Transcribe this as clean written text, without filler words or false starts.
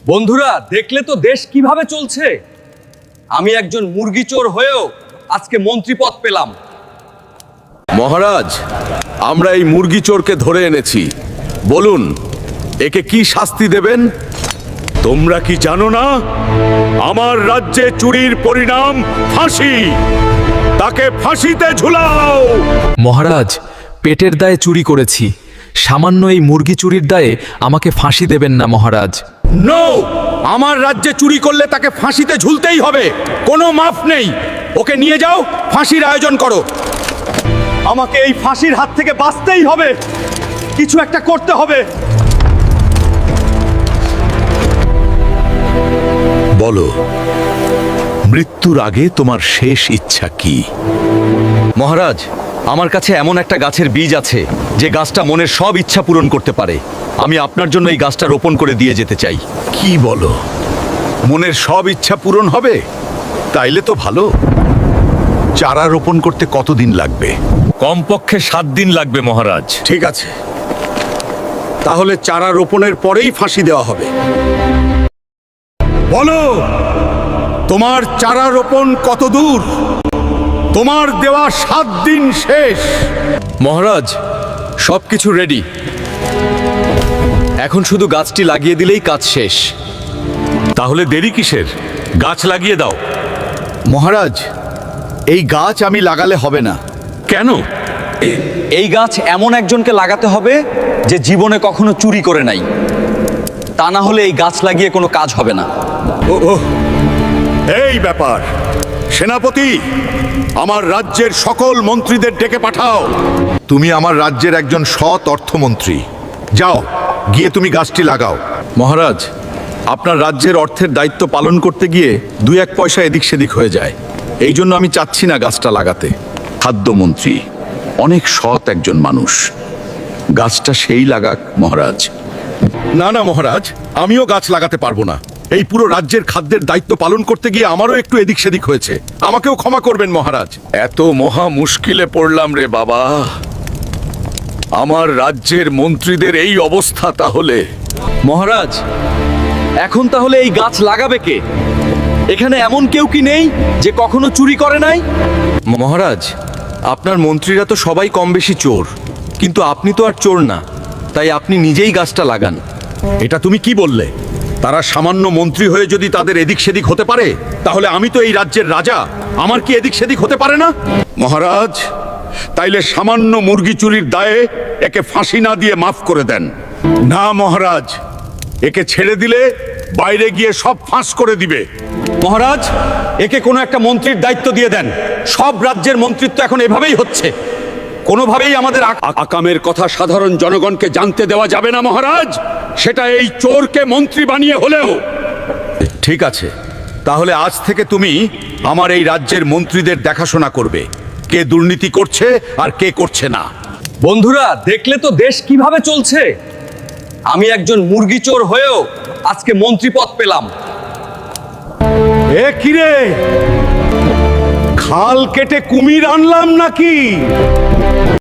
বন্ধুরা, দেখলে তো দেশ কিভাবে চলছে। আমি একজন মুরগি চোর হয়েও আজকে মন্ত্রী পদ পেলাম। মহারাজ, আমরা এই মুরগি চোরকে ধরে এনেছি। বলুন, একে কি শাস্তি দেবেন? তোমরা কি জানো না আমার রাজ্যে চুরির পরিণাম ফাঁসি? তাকে ফাঁসিতে ঝুলাও। মহারাজ, পেটের দায়ে চুরি করেছি। সামান্য এই মুরগি চুরির দায়ে আমাকে ফাঁসি দেবেন না মহারাজ। নো! আমার রাজ্যে চুরি করলে তাকে ফাঁসিতে ঝুলতেই হবে, কোনো মাফ নেই। ওকে নিয়ে যাও, ফাঁসির আয়োজন করো। আমাকে এই ফাঁসির হাত থেকে বাঁচতেই হবে, কিছু একটা করতে হবে। বলো, মৃত্যুর আগে তোমার শেষ ইচ্ছা কি? মহারাজ, আমার কাছে এমন একটা গাছের বীজ আছে যে গাছটা মনের সব ইচ্ছা পূরণ করতে পারে। আমি আপনার জন্য এই গাছটা রোপণ করে দিয়ে যেতে চাই। কি বলো? মনের সব ইচ্ছা পূরণ হবে? তাইলে তো ভালো। চারা রোপণ করতে কতদিন লাগবে? কমপক্ষে 7 দিন লাগবে মহারাজ। ঠিক আছে, তাহলে চারা রোপণের পরেই ফাঁসি দেওয়া হবে। বলো, তোমার চারা রোপণ কত দূর? তোমার দেওয়া 7 দিন শেষ। মহারাজ, সবকিছু রেডি। এখন শুধু গাছটি লাগিয়ে দিলেই কাজ শেষ। তাহলে দেরি কিসের? গাছ লাগিয়ে দাও। মহারাজ, এই গাছ আমি লাগালে হবে না। কেন? এই গাছ এমন একজনকে লাগাতে হবে যে জীবনে কখনো চুরি করে নাই। তা না হলে এই গাছ লাগিয়ে কোনো কাজ হবে না। এই ব্যাপার। সেনাপতি, আমার রাজ্যের সকল মন্ত্রীদের ডেকে পাঠাও। তুমি আমার রাজ্যের একজন সৎ অর্থমন্ত্রী। যাও, গিয়ে তুমি গাছটি লাগাও। মহারাজ, আপনার রাজ্যের অর্থের দায়িত্ব পালন করতে গিয়ে 2-1 পয়সা এদিক সেদিক হয়ে যায়। এই জন্য আমি চাচ্ছি না গাছটা লাগাতে। খাদ্যমন্ত্রী অনেক সৎ একজন মানুষ, গাছটা সেই লাগাক মহারাজ। না না মহারাজ, আমিও গাছ লাগাতে পারবো না। এই পুরো রাজ্যের খাদ্যের দায়িত্ব পালন করতে গিয়ে আমারও একটু এদিক সেদিক হয়েছে। আমাকেও ক্ষমা করবেন মহারাজ। এত মহা মুশকিলে পড়লাম রে বাবা। আমার রাজ্যের মন্ত্রীদের এই অবস্থা তাহলে। মহারাজ, এখন তাহলে এই গাছ লাগাবে কে? এখানে এমন কেউ কি নেই যে কখনো চুরি করে নাই? মহারাজ, আপনার মন্ত্রীরা তো সবাই কম বেশি চোর, কিন্তু আপনি তো আর চোর না, তাই আপনি নিজেই গাছটা লাগান। এটা তুমি কি বললে? তারা সামান্য মন্ত্রী হয়ে যদি তাদের এদিক সেদিক হতে পারে, তাহলে আমি তো এই রাজ্যের রাজা, আমার কি এদিক সেদিক হতে পারে না? মহারাজ, তাইলে সামান্য মুরগি চুরির দায়ে একে ফাঁসি না দিয়ে মাফ করে দেন। না মহারাজ, একে ছেড়ে দিলে বাইরে গিয়ে সব ফাঁস করে দিবে। মহারাজ, একে কোনো একটা মন্ত্রীর দায়িত্ব দিয়ে দেন। সব রাজ্যের মন্ত্রিত্ব এখন এভাবেই হচ্ছে। কোনোভাবেই আমাদের আকামের কথা সাধারণ জনগণকে জানতে দেওয়া যাবে না মহারাজ, সেটা এই চোরকে মন্ত্রী বানিয়ে হলেও। ঠিক আছে, তাহলে আজ থেকে তুমি আমার এই রাজ্যের মন্ত্রীদের দেখাশোনা করবে, কে দুর্নীতি করছে আর কে করছে না। বন্ধুরা, দেখলে তো দেশ কিভাবে চলছে। আমি একজন মুরগি চোর হয়েও আজকে মন্ত্রী পদ পেলাম। এ কিরে, খাল কেটে কুমির আনলাম নাকি?